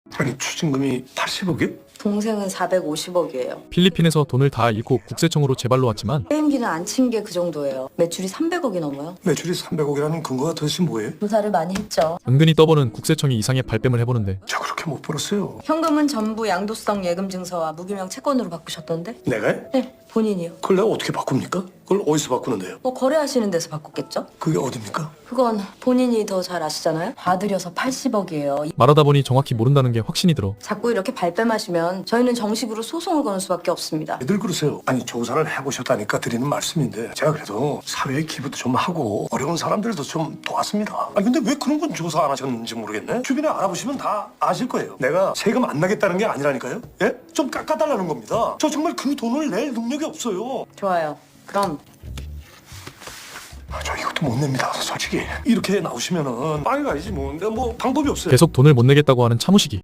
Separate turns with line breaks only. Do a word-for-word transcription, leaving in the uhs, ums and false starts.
아니 추징금이 팔십억이요?
동생은 사백오십억이에요.
필리핀에서 돈을 다 잃고 국세청으로 재발로 왔지만
게임기는 안 친 게 그 정도예요. 매출이 삼백억이 넘어요.
매출이 삼백억이라는 근거가 도대체 뭐예요?
조사를 많이 했죠.
은근히 떠보는 국세청이 이상의 발뺌을 해보는데
저 그렇게 못 벌었어요.
현금은 전부 양도성 예금 증서와 무기명 채권으로 바꾸셨던데?
내가요?
네, 본인이요.
그걸 내가 어떻게 바꿉니까? 그걸 어디서 바꾸는데요?
뭐 거래하시는 데서 바꿨겠죠?
그게 어딥니까?
그건 본인이 더 잘 아시잖아요. 봐드려서 팔십억이에요.
말하다 보니 정확히 모른다는 게 확신이 들어
자꾸 이렇게 발뺌하시면 저희는 정식으로 소송을 거는 수밖에 없습니다.
애들 그러세요. 아니 조사를 해보셨다니까 드리는 말씀인데 제가 그래도 사회에 기부도 좀 하고 어려운 사람들도 좀 도왔습니다. 아니 근데 왜 그런 건 조사 안 하셨는지 모르겠네. 주변에 알아보시면 다 아실 거예요. 내가 세금 안 나겠다는 게 아니라니까요. 예? 좀 깎아달라는 겁니다. 저 정말 그 돈을 낼 능력이 없어요.
좋아요. 그럼
아, 저 이것도 못 냅니다. 솔직히 이렇게 나오시면은 빵이 가야지 뭐. 내가 뭐 방법이 없어요.
계속 돈을 못 내겠다고 하는 차무식이